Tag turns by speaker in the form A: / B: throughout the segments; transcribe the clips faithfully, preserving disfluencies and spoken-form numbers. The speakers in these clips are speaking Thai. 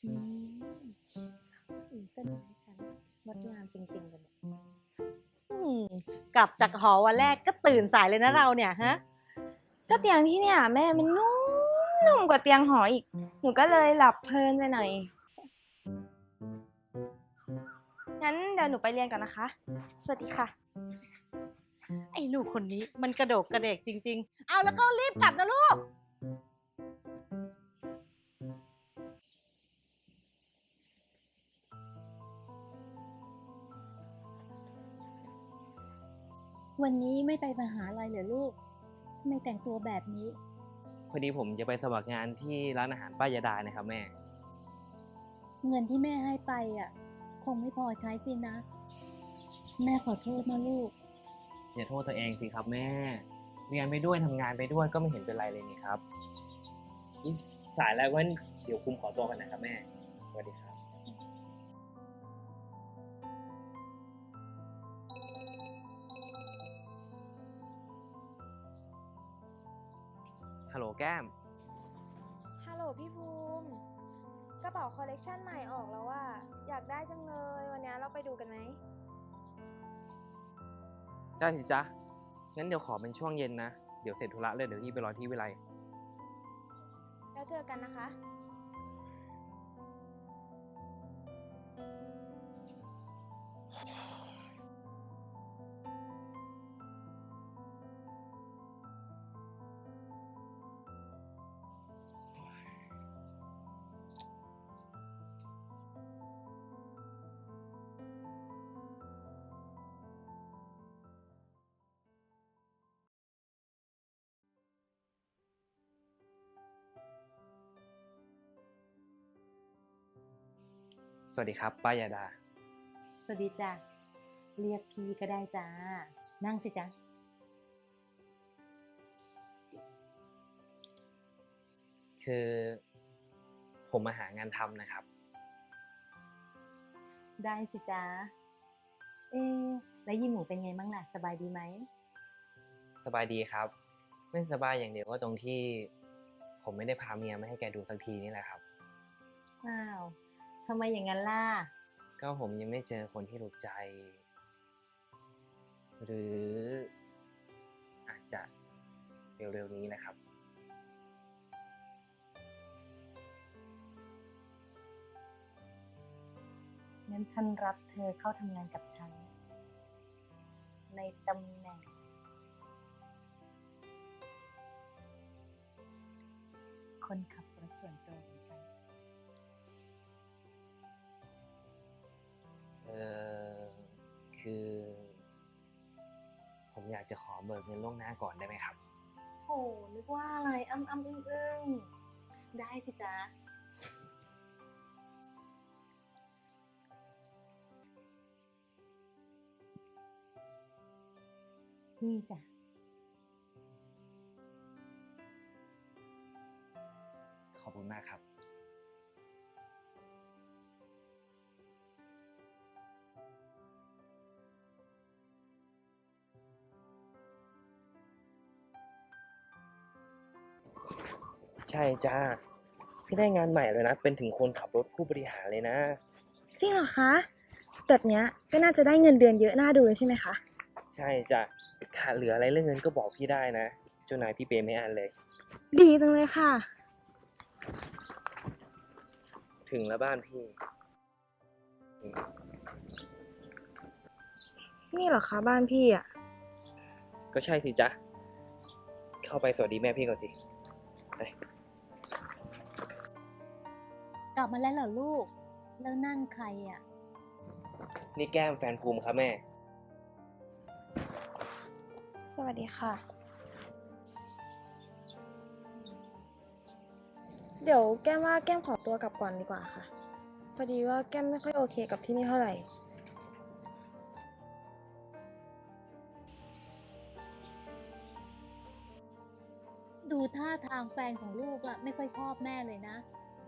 A: อืมอืมต้นไม้ฉันงดงามจริงๆเลยเนี่ยอืมกลับจากหอวันแรกก็ตื่นสายเลยนะเราเนี่ยฮะ
B: ก็เตียงที่เนี่ยแม่มันนุ่มนุ่มกว่าเตียงหออีกหนูก็เลยหลับเพลินไปหน่อยงั้นเดี๋ยวหนูไปเรียนก่อนนะคะสวัสดีค่ะ
A: ไอ้ลูกคนนี้มันกระโดกกระเดกจริงๆเอาแล้วก็รีบกลับนะลูกวันนี้ไม่ไปมหาลัยเหรอลูกทำไมแต่งตัวแบบนี้
C: พอดีผมจะไปสมัครงานที่ร้านอาหารป้ายาดานะครับแม่
A: เงินที่แม่ให้ไปอ่ะคงไม่พอใช้สินะแม่ขอโทษนะลูก
C: อย่าโทษตัวเองสิครับแม่เรียนไปด้วยทำงานไปด้วยก็ไม่เห็นเป็นไรเลยนี่ครับอุ๊ยสายแล้วงั้นเดี๋ยวคุมขอตัวกันนะครับแม่สวัสดีครับฮัลโหลแก้ม
B: ฮัลโหลพี่ภูมิกระเป๋าคอลเลกชันใหม่ออกแล้วว่าอยากได้จังเลยวันนี้เราไปดูกันไหม
C: ได้สิจ๊ะงั้นเดี๋ยวขอเป็นช่วงเย็นนะเดี๋ยวเสร็จธุระเลยเดี๋ยวพี่ไปรอที่วิไล
B: แล้วเจอกันนะคะ
C: สวัสดีครับป้ายาดา
A: สวัสดีจ้ะเรียกพี่ก็ได้จ้านั่งสิจ๊ะ
C: คือผมมาหางานทำนะครับ
A: ได้สิจ๊ะเอ๊ะแล้วยี่หมูเป็นไงบ้างล่ะสบายดีไหม
C: สบายดีครับไม่สบายอย่างเดียวก็ตรงที่ผมไม่ได้พาเมียมาให้แกดูสักทีนี่แหละครับ
A: อ้าวทำไมอย่างนั้นล่ะ
C: ก็ผมยังไม่เจอคนที่ถูกใจหรืออาจจะเร็วๆนี้แหละครับ
A: งั้นฉันรับเธอเข้าทำงานกับฉันในตำแหน่งคนขับรถส่วนตัวของฉัน
C: เออคือผมอยากจะขอเบิกเงินล่วงหน้าก่อนได้ไหมครับ
A: โถนึกว่าอะไรอ้ำอ้ำอึ้งอึ้งได้สิจ๊ะนี่จ้ะ
C: ขอบคุณมากครับใช่จ้าพี่ได้งานใหม่เลยนะเป็นถึงคนขับรถผู้บริหารเลยนะ
B: จริงเหรอคะแบบเนี้ยก็น่าจะได้เงินเดือนเยอะน่าดูเลยใช่ไหมคะ
C: ใช่จ้ะขาดเหลืออะไรเรื่องเงินก็บอกพี่ได้นะเจ้านายพี่เปย์ไม่อันเลย
B: ดีจังเลยค่ะ
C: ถึงแล้วบ้านพี่อืม
B: นี่เหรอคะบ้านพี่อ่ะ
C: ก็ใช่สิจ๊ะเข้าไปสวัสดีแม่พี่ก่อนสิไป
A: กลับมาแล้วเหรอลูกแล้วนั่นใครอ่ะ
C: นี่แก้มแฟนภูมิครับแม่
B: สวัสดีค่ะเดี๋ยวแก้มว่าแก้มขอตัวกลับก่อนดีกว่าค่ะพอดีว่าแก้มไม่ค่อยโอเคกับที่นี่เท่าไหร่
A: ดูท่าทางแฟนของลูกอะไม่ค่อยชอบแม่เลยนะ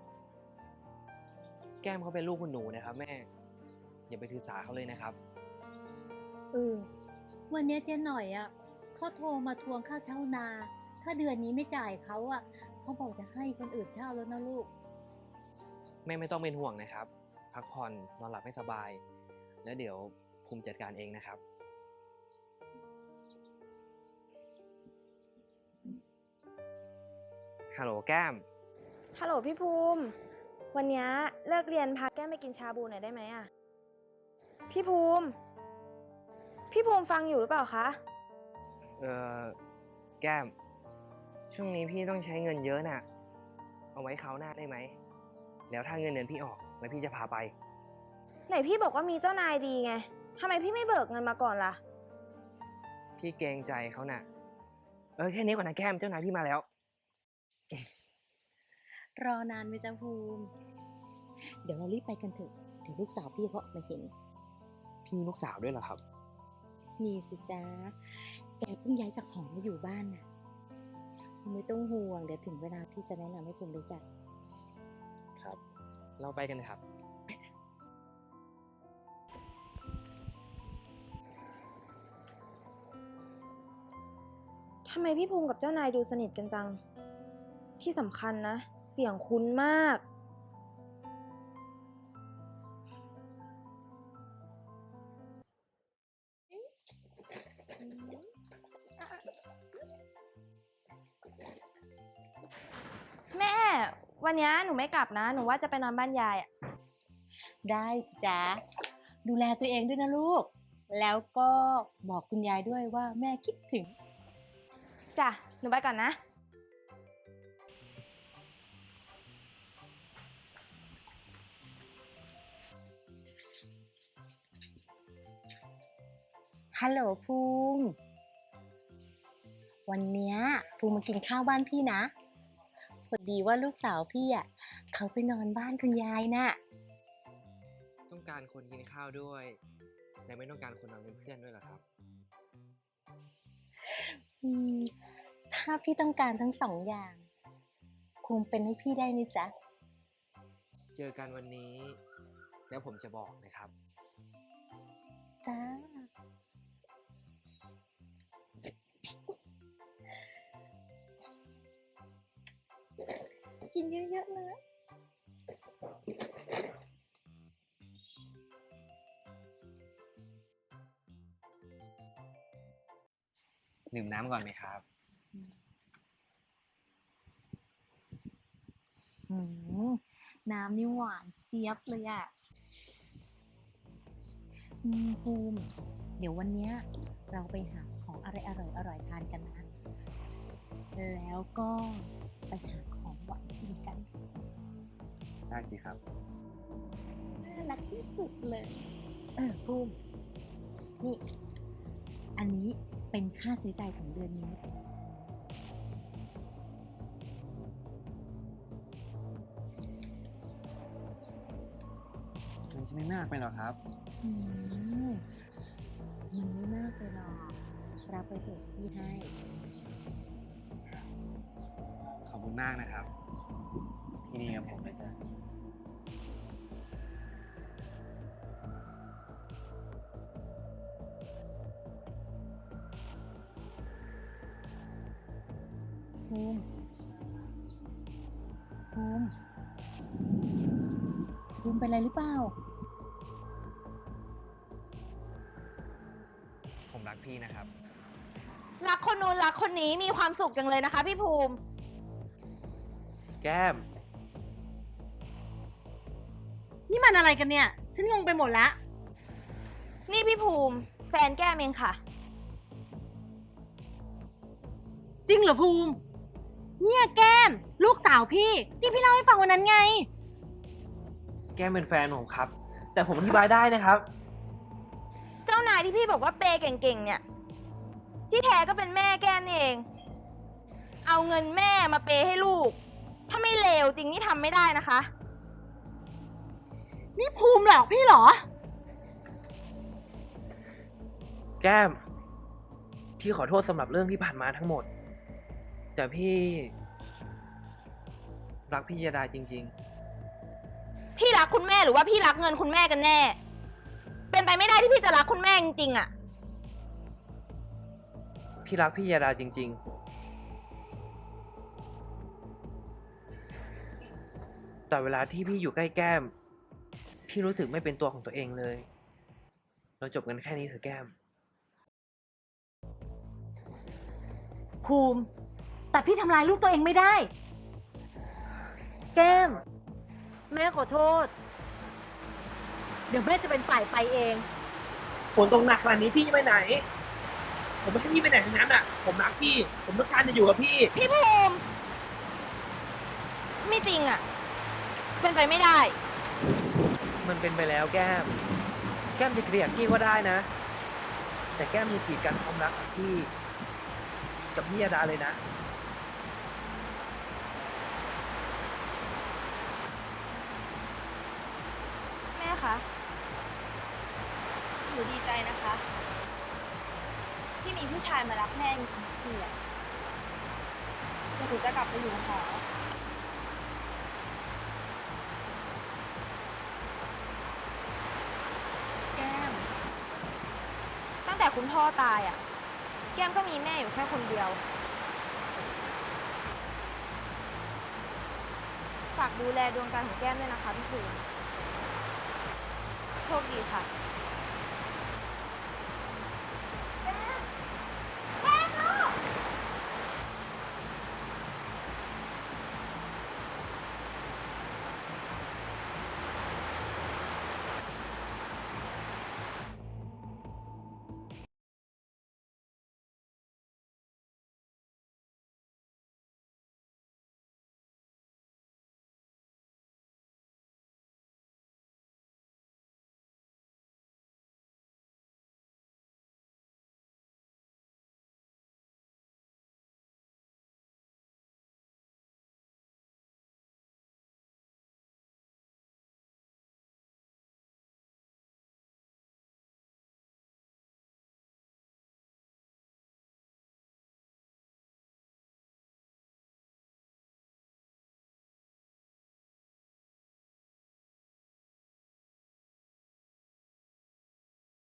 C: แก้มเขาเป็นลูกคุณหนูนะครับแม่อย่าไปถือสาเขาเลยนะครับ
A: เออวันนี้เจ๊หน่อยอะเขาโทรมาทวงค่าเช่านาถ้าเดือนนี้ไม่จ่ายเขาอะเขาบอกจะให้คนอื่นเช่าแล้วนะลูก
C: แม่ไม่ต้องเป็นห่วงนะครับ พักผ่อนนอนหลับให้สบาย แล้วเดี๋ยวภูมิจัดการเองนะครับ ฮัลโหลแก้ม
B: ฮัลโหลพี่ภูมิ วันนี้เลิกเรียนพาแก้มไปกินชาบูหน่อยได้ไหมอะพี่ภูมิ พี่ภูมิฟังอยู่หรือเปล่าคะ
C: เออแก้ม ช่วงนี้พี่ต้องใช้เงินเยอะน่ะ เอาไว้คราวหน้าได้ไหม แล้วถ้าเงินเดือนพี่ออกแล้วพี่จะพาไป
B: ไหนพี่บอกว่ามีเจ้านายดีไงทำไมพี่ไม่เบิกเงินมาก่อนล่ะ
C: พี่เกรงใจเขาน่ะ เออแค่นี้ก่อนนะแก้ม เจ้านายพี่มาแล้ว
A: รอนานไหมจ๊ะภูมิ เดี๋ยวเรารีบไปกันเถอะเดี๋ยวลูกสาวพี่เขามาเห็น
C: พี่มีลูกสาวด้วยเหรอครับ
A: มีสิจ๊ะ แกเพิ่งย้ายจากหอมาอยู่บ้านน่ะภูมิไม่ต้องห่วง เดี๋ยวถึงเวลาพี่จะแนะนำให้ภูมิรู้จัก
C: ครับ เราไปกันนะครับ
B: ทำไมพี่ภูมิกับเจ้านายดูสนิทกันจัง ที่สำคัญนะ เสียงคุ้นมาก แม่ วันนี้หนูไม่กลับนะ หนูว่าจะไปนอนบ้านยายอะ
A: ได้สิจ๊ะ ดูแลตัวเองด้วยนะลูก แล้วก็บอกคุณยายด้วยว่าแม่คิดถึง
B: จ้ะ หนูไปก่อนนะ
A: ฮัลโหลภูมิ วันเนี้ยภูมิมากินข้าวบ้านพี่นะ พอดีว่าลูกสาวพี่อ่ะเขาไปนอนบ้านคุณยายน่ะ
C: ต้องการคนกินข้าวด้วย และไม่ต้องการคนนอนเป็นเพื่อนด้วยเหรอครับ
A: อืม ถ้าพี่ต้องการทั้งสองอย่างภูมิเป็นให้พี่ได้ไหมจ๊ะ
C: เจอกันวันนี้ แล้วผมจะบอกนะครับ
A: จ้า กินเยอะๆนะ
C: ดื่มน้ำก่อนไหมครับ
A: อืม น้ำนี่หวานเจี๊ยบเลยอ่ะอืมภูมิ เดี๋ยววันเนี้ยเราไปหาของอะไรอร่อยอร่อยๆทานกันนะ แล้วก็ไปหาของหวานกินกัน
C: ได้สิครับ
A: น่ารักที่สุดเลย เออภูมิ นี่ อันนี้เป็นค่าใช้จ่ายของเดือนนี้
C: มันจะไม่มากไปหรอครับ
A: อืม มันไม่มากเลยหรอก รับไปเถอะพี่ให้
C: ขอบคุณมากนะครับ ที่นี่กับผมเลยจ้ะ
A: ภูมิ ภูมิ ภูมิเป็นอะไรหรือเปล่า
C: ผมรักพี่นะครับ
B: รักคนนู้นรักคนนี้มีความสุขจังเลยนะคะพี่ภูมิ
C: แก้ม
A: นี่มันอะไรกันเนี่ย ฉันงงไปหมดละ
B: นี่พี่ภูมิ แฟนแก้มเองค่ะ
A: จริงเหรอภูมิ เนี่ยแก้ม ลูกสาวพี่ ที่พี่เล่าให้ฟังวันนั้นไง
C: แก้มเป็นแฟนผมครับ แต่ผมอธิบายได้นะครับ
B: เจ้านายที่พี่บอกว่าเปย์เก่งๆ เนี่ย ที่แท้ก็เป็นแม่แก้มนี่เอง เอาเงินแม่มาเปย์ให้ลูก ถ้าไม่เลวจริงนี่ทำไม่ได้นะคะ
A: นี่ภูมิหลอกพี่เหรอ
C: แก้ม พี่ขอโทษสำหรับเรื่องที่ผ่านมาทั้งหมด แต่พี่ รักพี่ยดาจริง
B: พี่รักคุณแม่หรือว่าพี่รักเงินคุณแม่กันแน่ เป็นไปไม่ได้ที่พี่จะรักคุณแม่จริงๆอะ
C: ๆ พี่รักพี่ยดาจริง ๆ
D: แต่เวลาที่พี่อยู่ใกล้แก้ม พี่รู้สึกไม่เป็นตัวของตัวเองเลย เราจบกันแค่นี้เถอะแก้ม
A: ภูมิ แต่พี่ทำลายลูกตัวเองไม่ได้ แก้ม แม่ขอโทษ เดี๋ยวแม่จะเป็นฝ่ายไปเอง
D: ฝนตกหนักขนาดนี้พี่จะไปไหน ผมไม่ให้พี่ไปไหนทั้งนั้นอ่ะ ผมรักพี่ ผมต้องการจะอยู่กับพี่
B: พี่ภูมิ ไม่จริงอะเป็นไปไม่ได้
D: มันเป็นไปแล้วแก้ม แก้มจะเกลียดพี่ก็ได้นะ แต่แก้มมีกีดกันความรักของพี่ กับพี่ยาดาเลยนะ
B: แม่คะหนูดีใจนะคะ ที่มีผู้ชายมารักแม่จริงๆพี่อะเดี๋ยวหนูจะกลับไปอยู่หอ
A: แก้ม
B: ตั้งแต่คุณพ่อตายอะแก้มก็มีแม่อยู่แค่คนเดียว ฝากดูแลดวงตาของแก้มด้วยนะคะพี่ภูมิโชคดีค่ะ